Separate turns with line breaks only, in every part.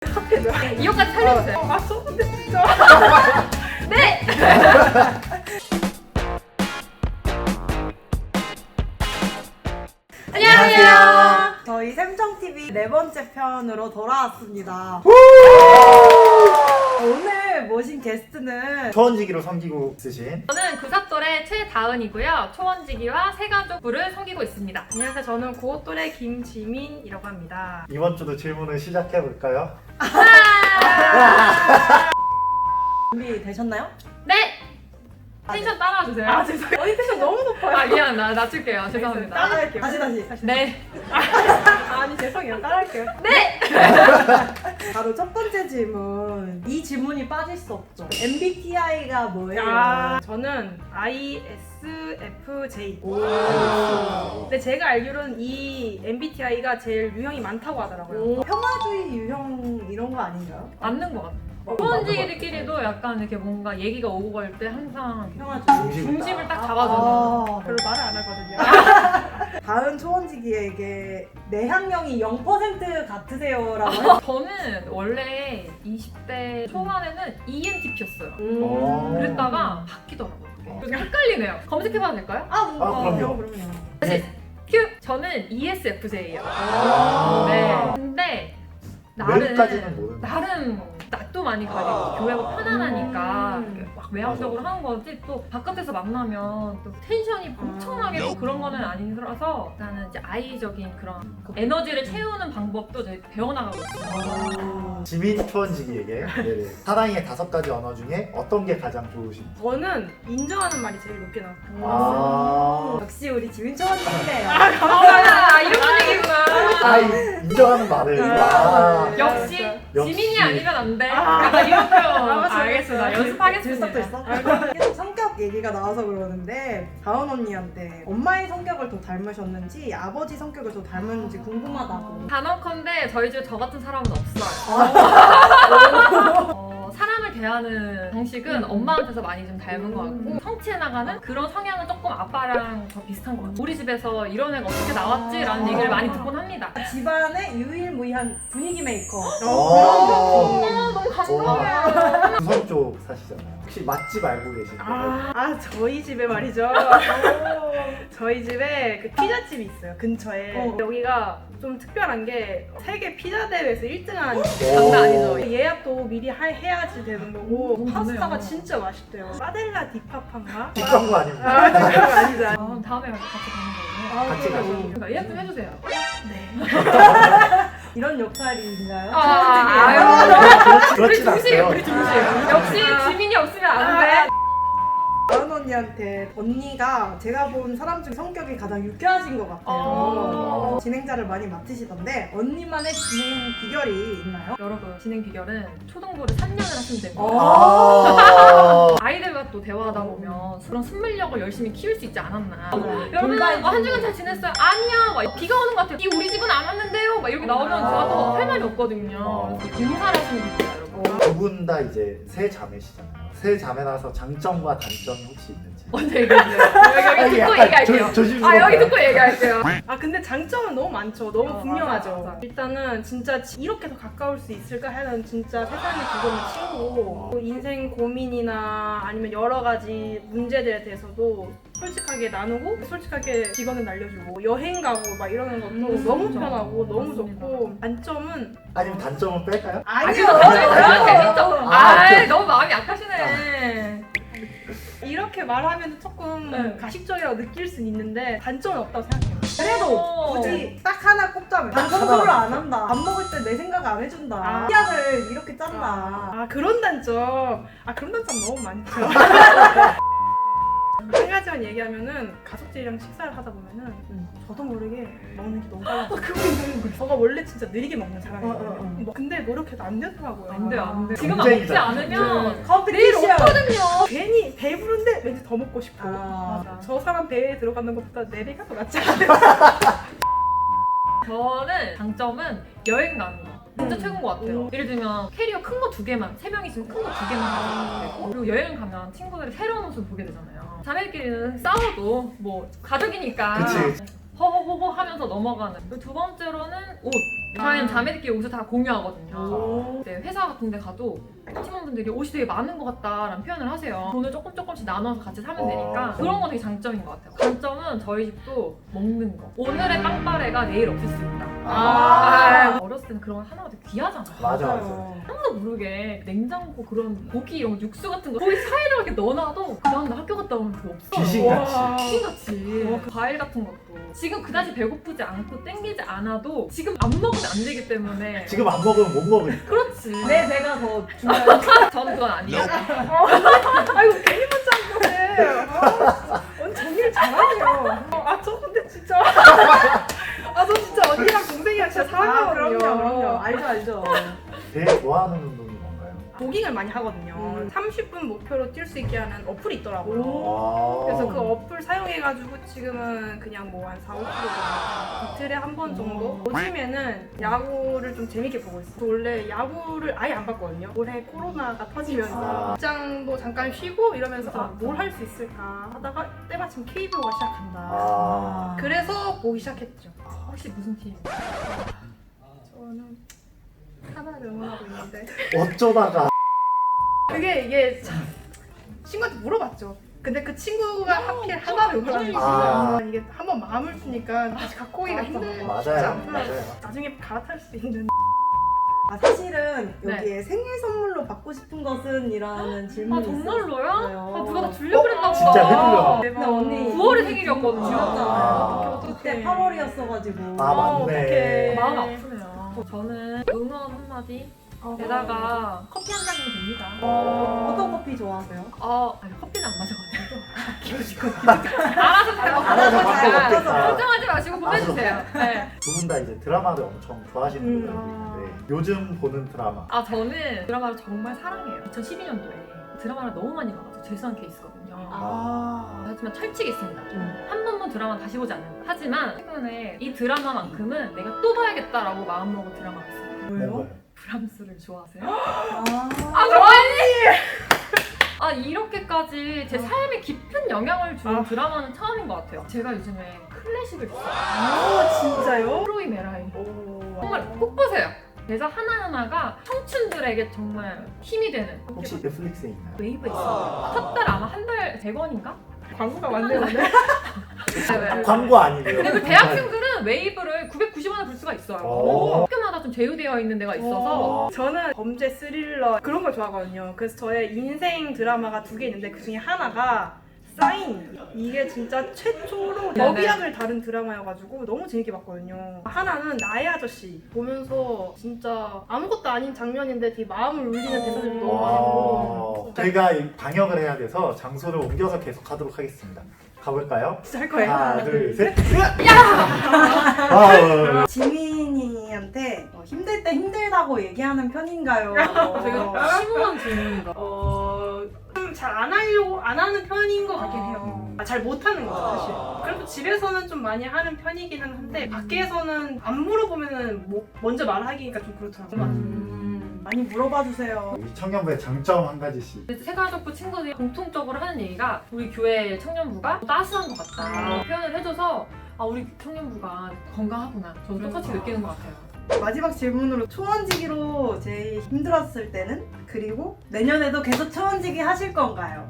핫패드.
이거까지 살려주세요.
아 썼는데 진짜.
네! 안녕하세요.
저희 샘정TV 네 번째 편으로 돌아왔습니다. 오늘 모신 게스트는
초원지기로 섬기고 있으신
저는 구삭돌의 최다은이고요. 초원지기와 세가족부를 섬기고 있습니다.
안녕하세요. 저는 고또래 김지민이라고 합니다.
이번 주도 질문을 시작해 볼까요?
준비되셨나요?
네! 텐션 따라와주세요.
아 죄송해요. 어이 텐션 너무 높아요.
아, 미안. 나 낮출게요. 죄송합니다.
따라할게요. 다시.
네.
아니 죄송해요. 따라할게요.
네!
바로 첫 번째 질문. 이 질문이 빠질 수 없죠. MBTI가 뭐예요? 저는 ISFJ. 근데 제가 알기로는 이 MBTI가 제일 유형이 많다고 하더라고요. 평화주의 유형 이런 거 아닌가요?
맞는 것 같아요. 초원지기들끼리도 약간 이렇게 뭔가 얘기가 오고 갈 때 항상
평화주의.
중심을 딱 잡아줘요.
별로 말을 안 하거든요. 다음 초원지기에게 내향형이 0% 같으세요라고 해서
저는 원래 20대 초반에는 ENTP였어요. 그랬다가 바뀌더라고요. 그게 헷갈리네요. 검색해봐도 될까요?
그럼요.
다시 큐! 저는 ESFJ예요. 네. 근데
외국까지는 모르는
나름 낯도 많이 가리고 교회가 편안하니까 막 외향적으로 하는 거지, 또 바깥에서 만나면 또 텐션이 엄청나게 또 그런 거는 아니라서 나는 이제 아이적인 그런 에너지를 채우는 방법도 이제 배워나가고 있어요.
지민 초원지기에게 사랑의 5가지 언어 중에 어떤 게 가장 좋으신지.
저는 인정하는 말이 제일 높게 나왔어요. 역시 우리 지민 초원지기네요.
아, 이런 분위기구나.
인정하는 말을.
역시
역시.
지민이 아니면 안 돼. 약간 이런 표현.
맞아.
알겠습니다. 연습하겠습니다.
들썩도 있어? 계속 성격 얘기가 나와서 그러는데 다은 언니한테 엄마의 성격을 더 닮으셨는지 아버지 성격을 더 닮았는지 궁금하다고.
단언컨대 저희 집에 저 같은 사람은 없어요. 사람을 대하는 방식은 엄마한테서 많이 좀 닮은 것 같고, 성취해 나가는 그런 성향은 조금 아빠랑 더 비슷한 것 같아요. 우리 집에서 이런 애가 어떻게 나왔지? 라는 얘기를 많이 듣곤 합니다.
집안의 유일무이한 분위기 메이커.
너무 감동해요.
부산 쪽 사시잖아요. 혹시 맛집 알고 계신가요?
저희 집에 말이죠. 저희 집에 그 피자집이 있어요, 근처에. 여기가 좀 특별한 게 세계 피자 대회에서 1등한
장난 아니죠?
예약도 미리 해야지 되는 거고,
너무
파스타가
좋네요.
진짜 맛있대요. 파델라 디파파인가?
뒷광고 아닙니다.
그거 아니죠.
다음에 같이 가는 거예요.
같이 가시죠.
그러니까 예약 좀 해주세요.
이런 역할인가요?
그렇진 않고요.
우리 중심. 역시 지민이 없으면 안 돼.
다은 언니한테 언니가 제가 본 사람 중 성격이 가장 유쾌하신 것 같아요. 진행자를 많이 맡으시던데 언니만의 진행 비결이 있나요?
여러분, 진행 비결은 초등부를 3년을 하시면 됩니다. 아이들과 또 대화하다 보면 그런 순물력을 열심히 키울 수 있지 않았나. 여러분, 한 주간 잘 지냈어요? 아니야. 막 비가 오는 것 같아요. 우리 집은 안 왔는데요. 막 이렇게 나오면 제가 또 할 말이 없거든요. 그래서 공사를 하시는 분이에요, 여러분.
두 분 다 이제 세 자매시잖아요. 세 자매라서 장점과 단점이 혹시 있는지.
언제 얘기해주세요. 여기 듣고 얘기할게요.
조심스러워요.
여기 듣고 얘기할게요.
근데 장점은 너무 많죠. 너무 분명하죠.
맞아.
일단은 진짜 이렇게 더 가까울 수 있을까 하는 진짜 세상의 두번의 친구. 인생 고민이나 아니면 여러 가지 문제들에 대해서도 솔직하게 나누고 솔직하게 직원을 날려주고 여행 가고 막 이러는 것도 너무
진짜.
편하고 너무
맞습니다.
좋고, 단점은
아니면 단점은 뺄까요?
아니요.
그런 재밌죠.
오케이.
너무 마음이 약하시네.
이렇게 말하면 조금
네.
가식적이라고 느낄 수는 있는데 단점은 없다고 생각해요. 그래도 굳이 딱 하나 꼽자면
딱
공부를
하나.
안 한다. 밥 먹을 때 내 생각 안 해준다. 시약을 이렇게 짠다. 그런 단점. 그런 단점 너무 많죠. 한 가지만 얘기하면은 가족들이랑 식사를 하다 보면은 저도 모르게 먹는 게 너무 빨라요. 저가 원래 진짜 느리게 먹는 사람이에요. 근데 노력해도 안 되더라고요.
안 돼요, 안 돼요. 지금
경쟁이다,
먹지 않으면 내일
컴피티션.
없거든요.
괜히 배부른데 왠지 더 먹고 싶고.
맞아.
저 사람 배에 들어가는 것보다 내 배가 더 낫지 않아요?
저는 장점은 여행 가는 거. 진짜 최고인 것 같아요. 예를 들면 캐리어 큰 거 2개만, 3명 있으면 큰 거 2개만 가져가도 되고, 그리고 여행 가면 친구들이 새로운 모습을 보게 되잖아요. 자매끼리는 싸워도 뭐 가족이니까
그치.
허허허허 하면서 넘어가는. 그리고 두 번째로는 옷. 저희는 자매들끼리 옷을 다 공유하거든요. 행사 같은 데 가도 팀원분들이 옷이 되게 많은 것 같다라는 표현을 하세요. 돈을 조금씩 나눠서 같이 사면 되니까 그런 거 되게 장점인 것 같아요. 단점은 저희 집도 먹는 거. 오늘의 빵빠레가 내일 없을 수 있다. 어렸을 때는 그런 거 하나가 되게 귀하잖아요.
맞아.
아무도 모르게 냉장고 그런 고기 이런 거 육수 같은 거 거기 사이에다 이렇게 넣어놔도 그 다음날 학교 갔다 오면 그거 없어.
귀신같이.
귀신같이. 과일 같은 것도 지금 그다지 배고프지 않고 땡기지 않아도 지금 안 먹으면 안 되기 때문에
지금 안 먹으면 못 먹으니까.
그렇지.
내 배가 더 중요해.
저는 그건 아니에요.
아이고 괜히 문자한 거네. 언니 정리를 잘하네요. 저 근데 진짜 저 진짜 언니랑 동생이랑 진짜 사랑하거든요.
그럼요. 알죠.
제일 좋아하는 운동이 뭔가요?
조깅을 많이 하거든요. 30분 목표로 뛸 수 있게 하는 어플이 있더라고요.
와.
그래서 그 어플 사용해가지고 지금은 그냥 뭐 한 4, 5kg 정도 이틀에 한 번 정도 요즘에는 야구를 좀 재밌게 보고 있어요. 원래 야구를 아예 안 봤거든요. 올해 코로나가 터지면서 직장도 잠깐 쉬고 이러면서 뭘 할 수 있을까 하다가 때마침 KBO가 시작한다. 그래서 보기 시작했죠.
혹시 무슨 팀?
저는 하나를 응원하고 있는데
어쩌다가
이게 참 친구한테 물어봤죠. 근데 그 친구가 하필 하나를 응원하는
아.
거예요. 이게 한번 마음을 주니까 다시 갖고 오기가 힘들지
맞아요.
않더라고요. 나중에 갈아탈 수 있는
사실은
네.
여기에 생일 선물로 받고 싶은 것은? 이라는 질문이
정말로요?
있었어요.
누가 나 주려고 그랬나 보다.
진짜 해주려고.
근데 언니
9월에 생일이었거든요.
아.
그때 8월이었어가지고
아, 맞네.
어떡해.
마음 아프네요. 저는 응원 한마디 게다가 커피 한 잔이면 됩니다.
어떤 커피 좋아하세요?
아니 커피는 안 마셔가지고 알아서 잘
알아서
먹고
바꿔먹겠다.
걱정하지 마시고 보내주세요. 네.
두 분 다 이제 드라마를 엄청 좋아하시는 분들이 있는데 요즘 보는 드라마
저는 드라마를 정말 사랑해요. 2012년도에 드라마를 너무 많이 봐가지고 재수한 케이스거든요. 하지만 철칙이 있습니다. 한 번만 드라마 다시 보지 않는다. 하지만 최근에 이 드라마만큼은 내가 또 봐야겠다라고 마음먹은 드라마가 있어요.
뭔가요?
브람스를 좋아하세요?
좋아해.
이렇게까지 제 삶에 깊은 영향을 준 드라마는 처음인 것 같아요. 제가 요즘에 클래식을 듣어요.
진짜요?
프로이 메라이. 정말 꼭 보세요. 대사 하나하나가 청춘들에게 정말 힘이 되는.
혹시 넷플릭스에 있나요?
웨이브 있어요. 첫 달 아마 한 달 100원인가?
광고가 왔네요. 오늘.
광고 아니고요.
그리고 대학생들은 웨이브를 990원에 볼 수가 있어요.
오.
학교마다 좀 제휴되어 있는 데가 있어서
저는 범죄 스릴러 그런 걸 좋아하거든요. 그래서 저의 인생 드라마가 2개 있는데 그 중에 하나가 사인. 이게 진짜 최초로
네네.
법의학을 다룬 드라마여가지고 너무 재밌게 봤거든요. 하나는 나의 아저씨 보면서 진짜 아무것도 아닌 장면인데 되게 마음을 울리는 대사들이 너무 많고
저희가 이 방역을 해야 돼서 장소를 옮겨서 계속 하도록 하겠습니다. 가볼까요?
진짜 할 거예요.
하나, 둘, 셋.
지민이한테 힘들 때 힘들다고 얘기하는 편인가요?
되게 심오한 질문이다.
잘 안 하려고 안 하는 편인 것 같긴 해요. 잘 못하는 거죠 사실. 그래도 집에서는 좀 많이 하는 편이기는 한데 밖에서는 안 물어보면은 뭐 먼저 말하기가 좀 그렇더라고요.
많이 물어봐 주세요.
우리 청년부의 장점 한 가지씩.
세가족부 친구들이 공통적으로 하는 얘기가 우리 교회 청년부가 따스한 것 같다 표현을 해줘서 우리 청년부가 건강하구나. 저도 똑같이 느끼는 것 같아요.
마지막 질문으로 초원지기로 제일 힘들었을 때는? 그리고 내년에도 계속 초원지기 하실 건가요?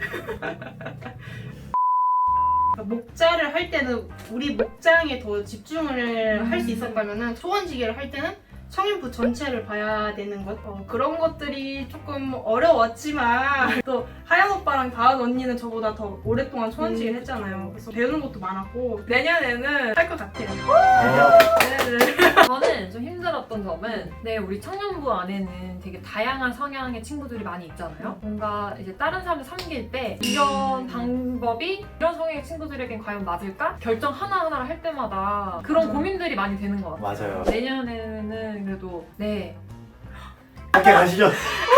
목자를 할 때는 우리 목장에 더 집중을 할 수 있었다면은 초원지기를 할 때는 청년부 전체를 봐야 되는 것 그런 것들이 조금 어려웠지만 또 하연 오빠랑 다은 언니는 저보다 더 오랫동안 초원지기를 했잖아요. 그래서 배우는 것도 많았고 내년에는 할 것 같아요.
저는 좀 힘들었던 점은 우리 청년부 안에는 되게 다양한 성향의 친구들이 많이 있잖아요. 뭔가 이제 다른 사람들 섬길 때 이런 방법이 이런 성향의 친구들에겐 과연 맞을까? 결정 하나하나를 할 때마다 그런 고민들이 많이 되는 것 같아요.
맞아요.
내년에는 그래도
함께 가시죠.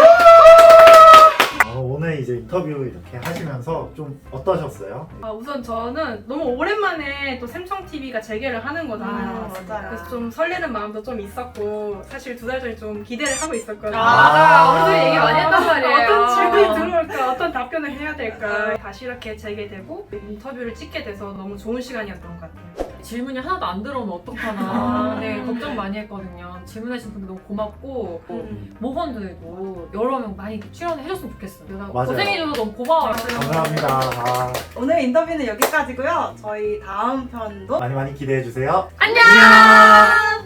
오늘 이제 인터뷰 이렇게 하시면서 좀 어떠셨어요?
우선 저는 너무 오랜만에 또 샘청TV가 재개를 하는 거잖아요.
맞아요.
그래서 좀 설레는 마음도 좀 있었고 사실 2달 전에 좀 기대를 하고 있었거든요.
맞아요. 우리도 얘기 많이 했단 말이에요.
어떤 질문이 들어올까, 어떤 답변을 해야 될까. 다시 이렇게 재개되고 인터뷰를 찍게 돼서 너무 좋은 시간이었던 것 같아요.
질문이 하나도 안 들어오면 어떡하나 네, 걱정 많이 했거든요. 질문해주신 분들 너무 고맙고 모건들도 여러 명 많이 출연해줬으면 좋겠어요. 내가
맞아요.
고생해줘서 너무 고마워요.
감사합니다. 아,
오늘 인터뷰는 여기까지고요. 저희 다음 편도
많이 기대해 주세요.
안녕!
안녕.